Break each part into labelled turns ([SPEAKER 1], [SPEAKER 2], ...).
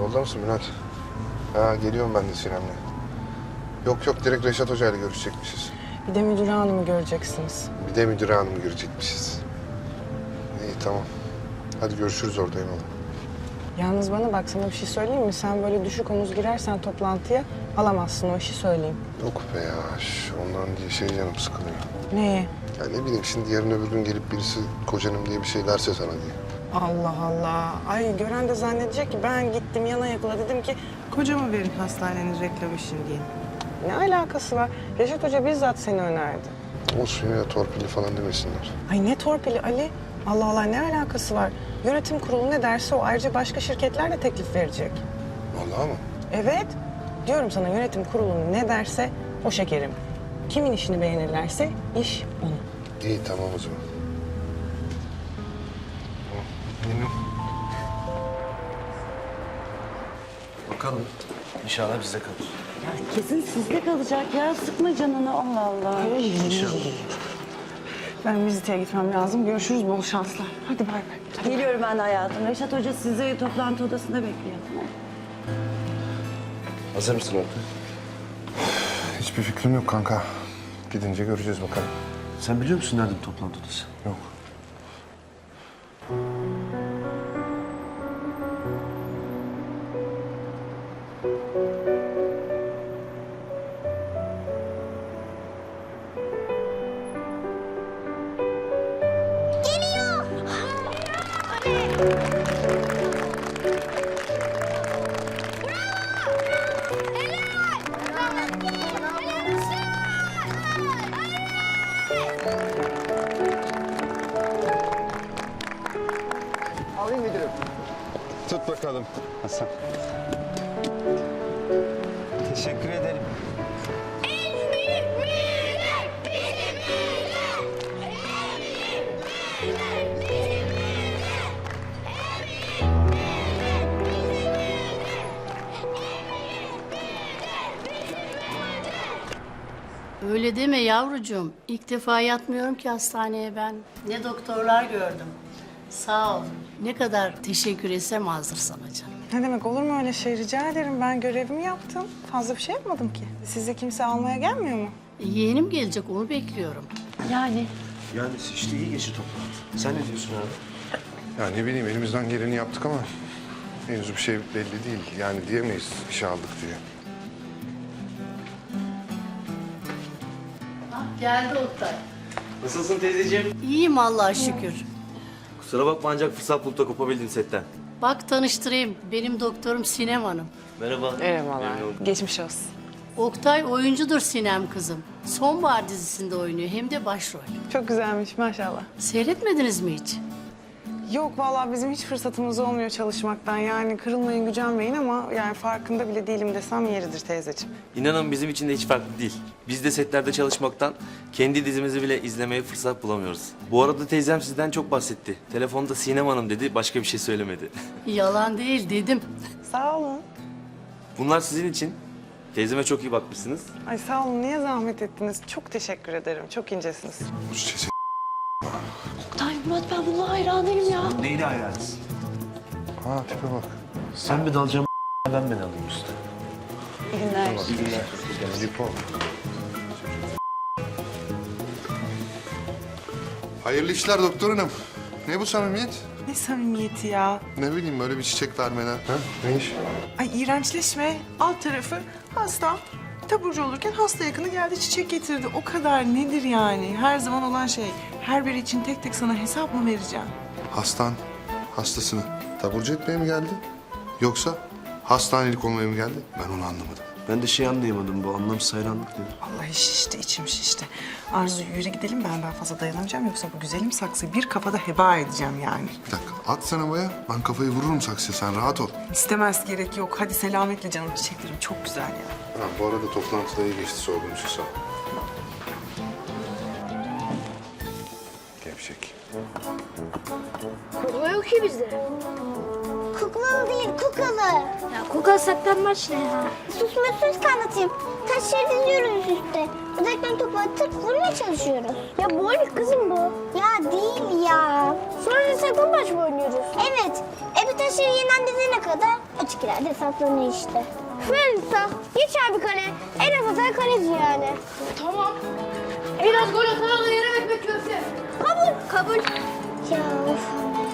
[SPEAKER 1] Yolda mısın Bülent? Ha, geliyorum ben de Sinem'le. Yok direkt Reşat Hoca ile görüşecekmişiz.
[SPEAKER 2] Bir de müdür hanımı göreceksiniz.
[SPEAKER 1] Bir de müdür hanımı görecekmişiz. İyi tamam. Hadi görüşürüz orada eyvallah.
[SPEAKER 2] Yalnız bana bak, sana bir şey söyleyeyim mi? Sen böyle düşük omuz girersen toplantıya alamazsın, o işi söyleyeyim.
[SPEAKER 1] Yok be ya. Ondan diye canım sıkılıyor.
[SPEAKER 2] Neye?
[SPEAKER 1] Ya ne bileyim şimdi yarın öbür gün gelip birisi kocanım diye bir şey derse sana diye.
[SPEAKER 2] Allah Allah. Ay gören de zannedecek ki ben gittim yana yakıla dedim ki kocama verin hastanenin reklam için diye. Ne alakası var? Reşat Hoca bizzat seni önerdi.
[SPEAKER 1] Olsun ya torpilli falan demesinler.
[SPEAKER 2] Ay ne torpili Ali? Allah Allah, ne alakası var? Yönetim kurulu ne derse o, ayrıca başka şirketler de teklif verecek.
[SPEAKER 1] Vallahi mı?
[SPEAKER 2] Evet. Diyorum sana, yönetim kurulu ne derse o şekerim. Kimin işini beğenirlerse iş onun.
[SPEAKER 1] İyi tamam o zaman. Yine.
[SPEAKER 3] Bakalım. İnşallah bizde kalır.
[SPEAKER 4] Ya kesin sizde kalacak ya. Sıkma canını, Allah Allah.
[SPEAKER 3] İnşallah.
[SPEAKER 2] Ben viziteye gitmem lazım. Görüşürüz, bol şanslar. Hadi bay bay.
[SPEAKER 4] Geliyorum ben de hayatım. Reşat Hoca sizi toplantı odasında bekliyor. Tamam.
[SPEAKER 3] Hazır mısın orada?
[SPEAKER 1] Hiçbir fikrim yok kanka. Gidince göreceğiz bakalım.
[SPEAKER 3] Sen biliyor musun nerede bu toplantı odası?
[SPEAKER 1] Yok.
[SPEAKER 5] Alayım müdürüm. Tut bakalım Hasan. Teşekkür ederim.
[SPEAKER 6] Öyle deme yavrucuğum. İlk defa yatmıyorum ki hastaneye ben. Ne doktorlar gördüm. Sağ ol. Ne kadar teşekkür etsem azdır sana canım.
[SPEAKER 2] Ne demek, olur mu öyle şey? Rica ederim. Ben görevimi yaptım. Fazla bir şey yapmadım ki. Sizi kimse almaya gelmiyor mu?
[SPEAKER 6] Yeğenim gelecek, onu bekliyorum.
[SPEAKER 4] Yani
[SPEAKER 3] Yani işte iyi geçti toplantı. Sen ne diyorsun abi?
[SPEAKER 1] Ya ne bileyim elimizden geleni yaptık ama henüz bir şey belli değil. Yani diyemeyiz işe aldık diye.
[SPEAKER 6] Geldi Oktay.
[SPEAKER 7] Nasılsın teyzeciğim?
[SPEAKER 6] İyiyim Allah'a şükür.
[SPEAKER 7] Kusura bakma ancak fırsat bulup da kopabildin setten.
[SPEAKER 6] Bak tanıştırayım. Benim doktorum Sinem Hanım.
[SPEAKER 7] Merhaba.
[SPEAKER 2] Merhabalar.
[SPEAKER 7] Memnun oldum.
[SPEAKER 2] Geçmiş olsun.
[SPEAKER 6] Oktay oyuncudur Sinem kızım. Sonbahar dizisinde oynuyor, hem de başrol.
[SPEAKER 2] Çok güzelmiş maşallah.
[SPEAKER 6] Seyretmediniz mi hiç?
[SPEAKER 2] Yok vallahi bizim hiç fırsatımız olmuyor çalışmaktan. Yani kırılmayın, gücenmeyin ama yani farkında bile değilim desem yeridir teyzeciğim.
[SPEAKER 7] İnanın bizim için de hiç farklı değil. Biz de setlerde çalışmaktan kendi dizimizi bile izlemeye fırsat bulamıyoruz. Bu arada teyzem sizden çok bahsetti. Telefonda Sinem Hanım dedi, başka bir şey söylemedi.
[SPEAKER 6] Yalan değil dedim.
[SPEAKER 2] Sağ olun.
[SPEAKER 7] Bunlar sizin için. Teyzeme çok iyi bakmışsınız.
[SPEAKER 2] Ay sağ olun, niye zahmet ettiniz? Çok teşekkür ederim. Çok incesiniz.
[SPEAKER 1] Bu çiçek.
[SPEAKER 4] Oktay, Murat, ben bununla hayranıyım ya.
[SPEAKER 3] Neyine hayranısın?
[SPEAKER 1] Ha tipe bak.
[SPEAKER 3] Sen mi dalacaksın ben mi dalayım usta?
[SPEAKER 4] İyi günler.
[SPEAKER 1] İyi günler. Lipo. Hayırlı işler doktor hanım. Ne bu samimiyet?
[SPEAKER 2] Ne samimiyeti ya.
[SPEAKER 1] Ne bileyim böyle bir çiçek vermeden. Ha? Ne iş?
[SPEAKER 2] Ay iğrençleşme. Alt tarafı hasta. Taburcu olurken hasta yakını geldi çiçek getirdi. O kadar nedir yani? Her zaman olan şey. Her biri için tek tek sana hesap mı vereceğim?
[SPEAKER 1] Hastasını taburcu etmeye mi geldi? Yoksa hastanelik olmaya mı geldi? Ben onu anlamadım.
[SPEAKER 3] Ben de şey anlayamadım, bu anlamsız hayranlık nedir?
[SPEAKER 2] Vallahi şişti, içim şişti. Arzu yürü gidelim, ben daha fazla dayanamayacağım. Yoksa bu güzelim saksıyı bir kafada heba edeceğim yani.
[SPEAKER 1] Bir dakika at sen havaya. Ben kafayı vururum saksıya sen rahat ol.
[SPEAKER 2] İstemez, gerek yok. Hadi selametle canım, çiçeklerim çok güzel ya.
[SPEAKER 1] Ha, bu arada toplantıda iyi geçti sorduğun için sağ ol. Gevşek.
[SPEAKER 8] Kukla yok ki bizde. Kuklalı değil, kukalı. Ya kukla saklanmaç ne ya? Sus anlatayım. Taş şehir diziyoruz üstte. Uzaktan topu atıp vurmaya çalışıyoruz. Ya bowling kızım bu. Ya değil ya. Sonra da saklambaç mı oynuyoruz? Evet. Bir taş Taşır yenen dizene kadar açık ileride saklanıyor işte. Melisa geç abi kale. En az atan kaleci yani.
[SPEAKER 9] Tamam. Biraz gol atana da yarım ekmek köfte.
[SPEAKER 8] Kabul. Ya of.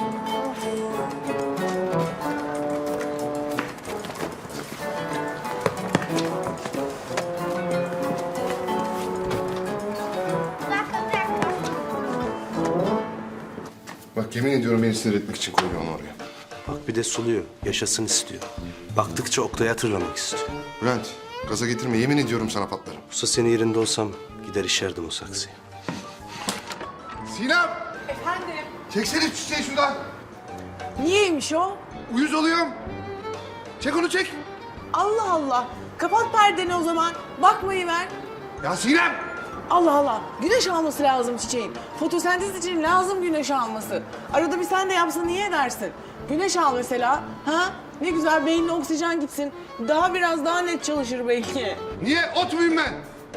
[SPEAKER 1] Bak yemin ediyorum beni sinir etmek için koyuyor onu oraya.
[SPEAKER 3] Bak bir de suluyor. Yaşasın istiyor. Baktıkça Oktay'ı hatırlamak istiyor.
[SPEAKER 1] Bülent gaza getirme yemin ediyorum sana patlarım.
[SPEAKER 3] Usta senin yerinde olsam gider işerdim o saksıyı.
[SPEAKER 1] Sinem! Efendim? Çeksene şu çiçeği şuradan.
[SPEAKER 2] Niyeymiş o?
[SPEAKER 1] Uyuz oluyorum. Çek onu çek.
[SPEAKER 2] Allah Allah. Kapat perdeni o zaman. Bakmayı ver.
[SPEAKER 1] Ya Sinem!
[SPEAKER 2] Allah Allah. Güneş alması lazım çiçeğin. Fotosentez için lazım güneş alması. Arada bir sen de yapsa niye edersin? Güneş al mesela. Ha? Ne güzel beynine oksijen gitsin. Biraz daha net çalışır belki.
[SPEAKER 1] Niye? Ot muyum ben?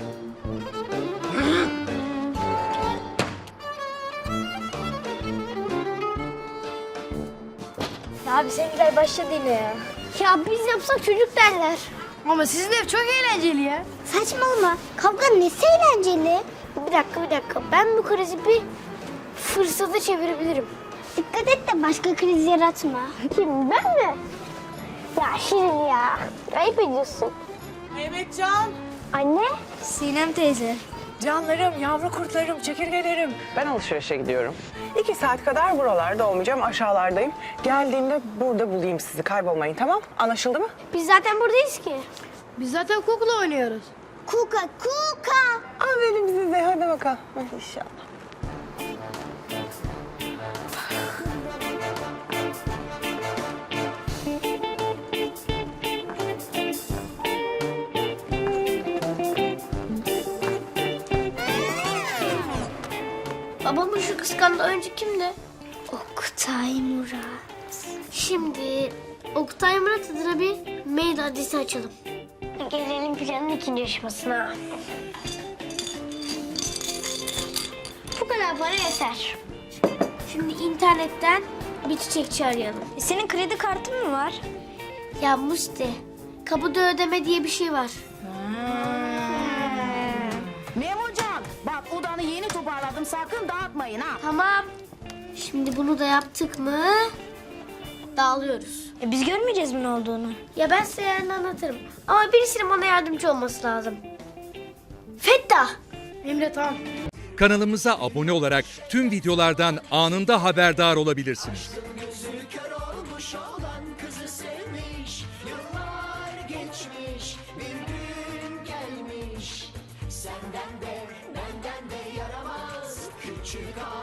[SPEAKER 8] Ya bizimkiler başladı yine ya. Ya biz yapsak çocuk derler.
[SPEAKER 9] Ama sizin ev çok eğlenceli ya.
[SPEAKER 8] Saçmalama. Kavga nesi eğlenceli? Bir dakika. Ben bu krizi bir fırsata çevirebilirim. Dikkat et de başka kriz yaratma. Kim, ben mi? Ya Şirin ya. Ayıp ediyorsun.
[SPEAKER 2] Mehmetcan.
[SPEAKER 8] Anne. Sinem teyze.
[SPEAKER 2] Canlarım, yavru kurtlarım, çekirgelerim. Ben alışverişe gidiyorum. 2 saat kadar buralarda olmayacağım, aşağılardayım. Geldiğimde burada bulayım sizi, kaybolmayın tamam? Anlaşıldı mı?
[SPEAKER 8] Biz zaten buradayız ki.
[SPEAKER 9] Biz zaten kukla oynuyoruz.
[SPEAKER 8] Kuka.
[SPEAKER 2] Aferin size, hadi bakalım. Hadi inşallah.
[SPEAKER 8] Babamın şu kıskandığı önce kimdi? Oktay Murat. Şimdi Oktay Murat adına bir mail adresi açalım. Gelelim planın ikinci aşamasına. Bu kadar para yeter. Şimdi internetten bir çiçekçi arayalım. Senin kredi kartın mı var? Ya Musti, kapıda ödeme diye bir şey var.
[SPEAKER 4] Memocan bak odanı yeni toparladım sakın dağıtmayın ha.
[SPEAKER 8] Tamam. Şimdi bunu da yaptık mı dağılıyoruz. Biz görmeyeceğiz mi ne olduğunu? Ya ben size yarın anlatırım. Ama birisinin bana yardımcı olması lazım. Fettah.
[SPEAKER 9] Emre tamam.
[SPEAKER 10] Kanalımıza abone olarak tüm videolardan anında haberdar olabilirsiniz.
[SPEAKER 11] Senden de benden de yaramaz küçük ağa.